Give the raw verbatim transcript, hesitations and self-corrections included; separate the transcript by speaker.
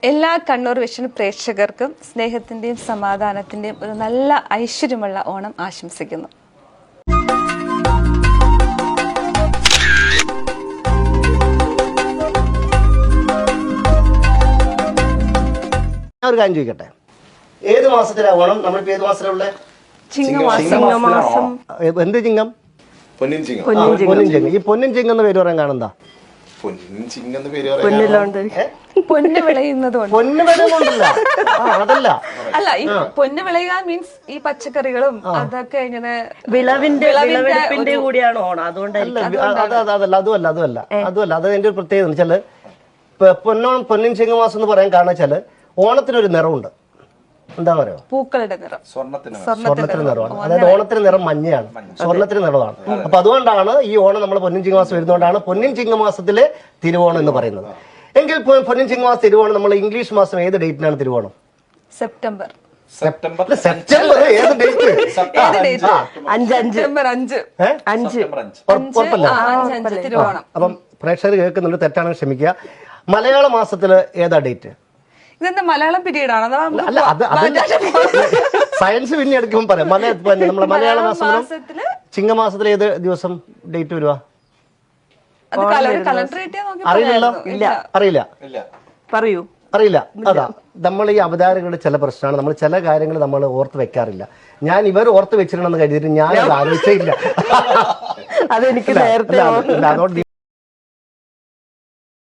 Speaker 1: എല്ലാ കണ്ണൂർ വിഷൻ പ്രേക്ഷകർക്കും സ്നേഹത്തിന്റെയും സമാധാനത്തിന്റെയും ഒരു നല്ല ഐശ്വര്യമുള്ള ഓണം ആശംസിക്കുന്നു.
Speaker 2: ഒരു കാര്യം ചോദിക്കട്ടെ, ഏത് മാസത്തിലാ ഓണം? നമ്മളിപ്പോ ഏത് മാസത്തിലുള്ള
Speaker 1: ചിങ്ങമാസം.
Speaker 2: എന്ത് ചിങ്ങം?
Speaker 3: പൊന്നിൻ ചിങ്ങം.
Speaker 2: പൊന്നിൻ ചിങ്ങം. ഈ പൊന്നിൻ ചിങ്ങം എന്ന് പേര് പറയാൻ കാണുന്നതാ?
Speaker 3: പൊന്നിൻ ചിങ്ങം എന്ന് പേര് പറയാൻ
Speaker 1: പൊന്ന് വിളയുന്നതുകൊണ്ട്.
Speaker 2: പൊന്ന് വിളയുന്നുണ്ടല്ല, അതല്ല.
Speaker 1: അല്ല, ഈ പൊന്ന് വിളയുക മീൻസ് ഈ പച്ചക്കറികളും അതൊക്കെ ഇങ്ങനെ
Speaker 4: വിളവിന്റെ വിളവെടുപ്പിന്റെ കൂടിയാണ് ഓണം. അതുകൊണ്ടല്ല
Speaker 2: അതല്ല അതുമല്ല അതുമല്ല അതുമല്ല അത് എന്റെ ഒരു പ്രത്യേകത എന്ന് വെച്ചാല് പൊന്നോണം പൊന്നിൻ ചിങ്ങമാസം എന്ന് പറയാൻ കാരണം വെച്ചാല് ഓണത്തിനൊരു നിറമുണ്ട്. എന്താ പറയുക?
Speaker 1: പൂക്കളുടെ നിറം,
Speaker 2: സ്വർണ്ണത്തിന് നിറമാണ്. അതായത് ഓണത്തിന് നിറം മഞ്ഞയാണ്, സ്വർണ്ണത്തിന് നിറമാണ്. അപ്പൊ അതുകൊണ്ടാണ് ഈ ഓണം നമ്മൾ പൊന്നിൻ ചിങ്ങമാസം വരുന്നതുകൊണ്ടാണ് പൊന്നിൻ ചിങ്ങമാസത്തിലെ തിരുവോണം എന്ന് പറയുന്നത്. എങ്കിൽ പൊന്നിൻ ചിങ്ങമാസം തിരുവോണം നമ്മൾ ഇംഗ്ലീഷ് മാസം ഏത് ഡേറ്റിനാണ് തിരുവോണം?
Speaker 1: സെപ്റ്റംബർ.
Speaker 3: സെപ്റ്റംബർ
Speaker 2: സെപ്റ്റംബർ ഏത് ഡേറ്റ്?
Speaker 4: അഞ്ച് അഞ്ച്
Speaker 1: സെപ്റ്റംബർ അഞ്ച്
Speaker 4: അഞ്ച്
Speaker 2: ഉറപ്പല്ല.
Speaker 1: തിരുവോണം.
Speaker 2: അപ്പം പ്രേക്ഷകർ കേൾക്കുന്നുണ്ട്, തെറ്റാണെങ്കിൽ ക്ഷമിക്കുക. മലയാള മാസത്തില് ഏതാ ഡേറ്റ്?
Speaker 1: ഇതെന്താ മലയാളം പീരീഡ് ആണോ?
Speaker 2: അല്ല, അത് സയൻസ് പിന്നെ എടുക്കുമ്പോൾ പറയാം. നമ്മളെ മലയാള മാസം ചിങ്ങമാസത്തിൽ ഏത് ദിവസം ഡേറ്റ് വരുവാ? അറിയില്ലല്ലോ. അറിയില്ല
Speaker 4: പറയൂ.
Speaker 2: അറിയില്ല. അതാ നമ്മൾ ഈ അവതാരകളുടെ ചില പ്രശ്നമാണ്. നമ്മൾ ചില കാര്യങ്ങൾ നമ്മൾ ഓർത്ത് വെക്കാറില്ല. ഞാൻ ഇവർ ഓർത്ത് വെച്ചിട്ടുണ്ടെന്ന് കരുതിയിട്ട് ഞാൻ ആലോചിച്ചില്ല.
Speaker 4: അതെനിക്ക് നേരത്തെ
Speaker 2: അതുകൊണ്ട്